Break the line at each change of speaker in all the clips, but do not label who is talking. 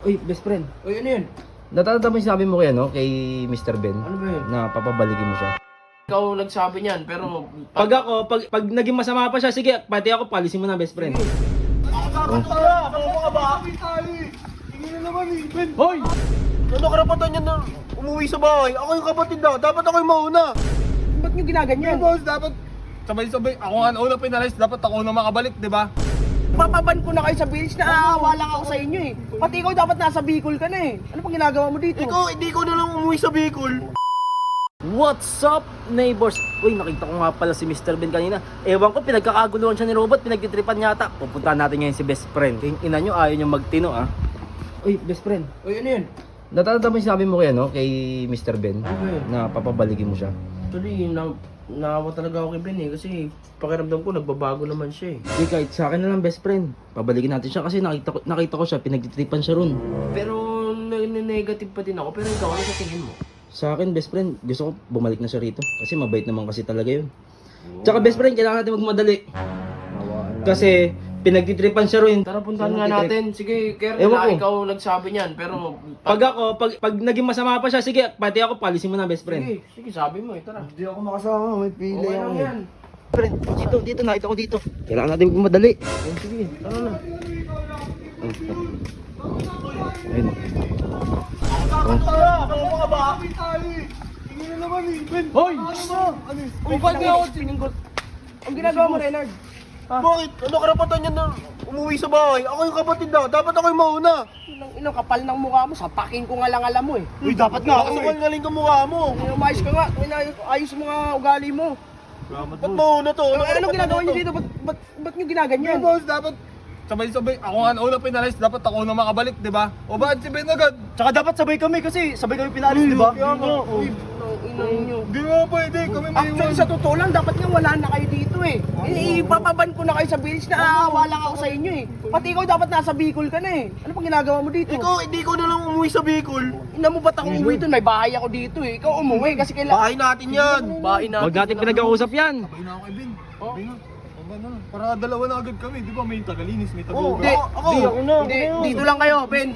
Uy, best friend.
Uy, ano yun?
Natatanda mo yung sinabi mo kay, kay Mr. Ben?
Ano ba yun?
Na papabalikin mo siya.
Ikaw nagsabi niyan, pero...
Pag naging masama pa siya, sige, pati ako, palisin mo na, best friend.
Hoy! Ano karapatan niya na umuwi sa bahay? Ako yung kapatid na. Dapat ako yung mauna.
Ba't nyo ginaganyan?
Boss, dapat sabay-sabay. Ako nga una pinalis. Dapat ako na makabalik, di ba?
Papaban ko na kayo sa village na aawa lang ako sa inyo eh. Pati ikaw dapat nasa Bicol ka na eh. Ano pang ginagawa mo dito?
Ikaw, hindi ko na lang umuwi sa Bicol.
What's up, neighbors? Uy, nakita ko nga pala si Mr. Ben kanina. Ewan ko, pinagkakaguluhan siya ni Robot, pinagtitripan yata. Pupuntahan natin ngayon si best friend. Yung ina nyo, ayaw nyo magtino, ah. Uy, best friend.
Uy, ano yun?
Natatanda mo yung sinabi mo kay, kay Mr. Ben?
Ano ba yun?
Na papabalikin mo siya.
Actually, naawa talaga ako kay Ben eh. Kasi pakiramdam ko, nagbabago naman siya eh.
Uy, kahit sa akin na lang, best friend. Pabalikin natin siya kasi nakita ko siya, pinagtitripan siya ron.
Pero negative pa din ako. Pero ikaw, ano sa tingin mo?
Sa akin, best friend, gusto ko bumalik na siya rito. Kasi mabait naman kasi talaga yun. Tsaka best friend, kailangan natin magmadali. Kasi pinagtitripan siya rin.
Tara, puntahan nga natin. Sige, Kernel,
Ewan ko.
ikaw nagsabi niyan. Pero...
Pag naging masama pa siya, sige, pati ako, palisin mo na, best friend.
Sige, sabi mo eh. Tara.
Hindi ako makasama. May pili
Okay
ako.
lang yan.
Friend, dito, nakita ko dito. Kailangan natin magmadali.
Sige, tara na.
Ayun.
Ano mga ba? Hindi na naman eh. Ben,
Hoy!
ano ba? Ano?
Uy, ba't nga ako sininggot? Ang ginagawa mo, Renard?
Bakit? Ano karapatan niya na umuwi sa bahay? Ako yung kapatid na. Dapat ako yung mauna.
Ilang kapal ng mukha mo, sapakin ko nga lang alam mo eh.
Uy, dapat nga ako. Ngaling ka mukha mo.
Umayos ka nga, ayos mo nga ugali mo.
Ba't mauna to?
Anong ginagawa niyo dito? Ba't niyo ginaganyan?
Boss, dapat sabay-sabay. Ako nga una pinalis. Dapat ako na makabalik, di ba? O bakit si Ben agad?
Tsaka dapat sabay kami kasi sabay kami pinalis, di ba?
Kaya nga.
Uy, inang inyo.
Di nga pwede. Kami may
Actually, sa totoo lang, dapat nga wala na kayo dito eh. Ipapaban ko na kayo sa village na aawa lang ako sa inyo eh. Pati ikaw dapat nasa Bicol ka na eh. Ano pang ginagawa mo dito?
Ikaw, hindi ko na lang umuwi sa Bicol.
Ina mo ba't ako umuwi doon? May bahay ako dito eh. Ikaw umuwi kasi kailangan...
Bahay natin yan.
Bahay natin.
Huwag natin pinag-uusap yan.
Sabay na ako kay Ben. Sabay na. Sabay na. Para dalawa na agad kami. Di ba may tagalinis, may Oo,
Hindi,
ako.
hindi, dito lang kayo, Ben.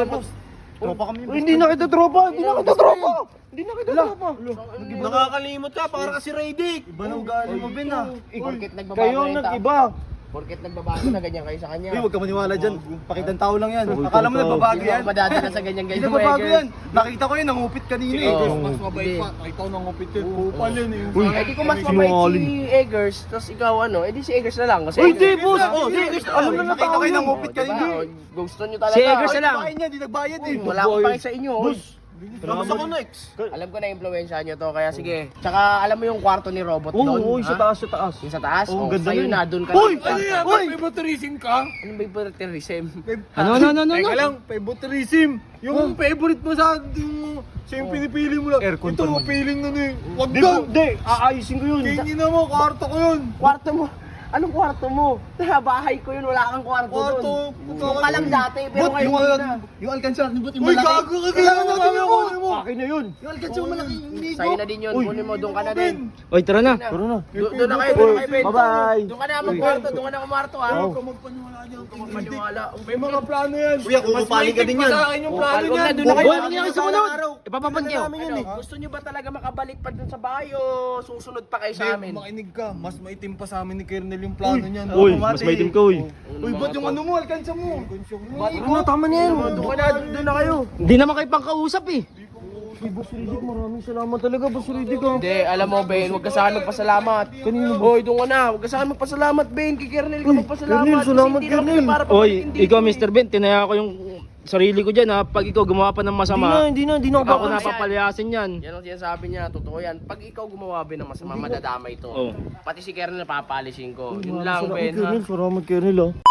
Tropa kami.
Hindi na kita tropa. Hindi na kita tropa.
Hindi na kita tropa.
Nakakalimot ka. Para kasi Raydick.
Iba na ugali mo, Ben, ah.
Porket nagbabago
Kayo
na yung tao.
nag-iba.
Porket nagbabago na ganyan kayo sa kanya.
Uy, huwag ka maniwala dyan. Pakitang tao lang yan. Akala mo nagbabago
Hindi
yan?
ako madadala sa ganyan
Hindi
ganyan.
nagbabago yan. Nakita ko yun, nangupit kanina eh.
Oo.
Mas mabait pa. Nakita ko nang upit yun. Kupal yun eh.
Eh di ko mas mabait si Eggers, tapos ikaw ano, eh di si Eggers na lang. Kasi
Uy, di,
Eggers-
boss!
Oh,
Di, alam na
nakita
tao
ko yung
yun.
nangupit kanina.
Diba? Gusto nyo talaga.
Si Eggers na lang.
Bahay niya, di nagbayad eh.
Wala akong pake sa inyo. Boss.
Tapos ako next.
Alam ko na impluwensya nyo to, kaya sige. Tsaka alam mo yung kwarto ni Robot
Oo,
doon?
sa
ha?
taas, sa taas.
Yung sa taas?
Oo,
Oh,
ganda
sa'yo
yun.
na, doon ka
Uy!
na.
Ano yan?
Uy!
Favoritism ka?
Ano ba yung terrorism?
Ano?
Teka lang, favoritism. Yung favorite mo sa siya yung pinipili mo lang.
Aircon
Ito,
pa naman.
feeling na na eh. Wag
Di,
daw.
di, aayusin ko yun.
Tingin na mo, kwarto ko yun.
Kwarto mo? Anong kwarto mo? Bahay ko yun, wala kang kwarto
Kwarto.
doon. Doon ka lang dati, pero
But
ngayon
yung,
hindi na.
yung alkansya, but yung
Uy,
malaki.
gago ka. Kailangan natin yung kunin mo.
Akin na yun.
Yung alkansya malaki. Hindi ko.
Sa'yo na din yun, kunin mo, doon ka na din.
Oy, tara na.
Tara na.
Doon na kayo, doon na kayo, Ben.
Bye-bye.
Doon ka na magkwarto, doon ka na kumarto ha.
Huwag ka magpaniwala niyan.
Maniwala.
May mga plano yan.
Kuya, kukupaling ka din yan.
Mas sa akin yung plano
Huwag na,
niyan.
doon na kayo.
Hoy, ano yung sumunod? Ipapapan kayo.
Ano, gusto nyo ba talaga makabalik pa dun sa bahay o susunod pa kayo sa amin?
Makinig ka. Mas maitim pa sa amin ni Kernel yung plano niyan.
Uy, mas maitim ka, uy.
Uy, ba't yung ano mo? Alkansya mo.
Ano, tama na yan.
Doon ka na, doon na kayo.
Hindi naman kayo pangkausap eh.
Boss Riddick, maraming salamat talaga, Boss Riddick.
Hindi, alam mo Ben, huwag ka sa akin magpasalamat. Kanino? Hoy, doon ka na, huwag ka sa akin magpasalamat Ben, kay Kernel ka magpasalamat.
Kernel,
Kasi
salamat,
hindi naman
Kernel.
para
Oy,
pabalikin dito,
ikaw
eh.
Mr. Ben, tinaya ko yung sarili ko dyan ha. Pag ikaw gumawa pa ng masama,
Hindi na ako
ako
baka.
napapalayasin yan.
Yan ang sinasabi niya, totoo yan. Pag ikaw gumawa Ben ng masama, madadamay to.
Oh.
Pati si Kernel papalisin ko. Yun lang Ben ha.
Kernel, salamat Kernel ah.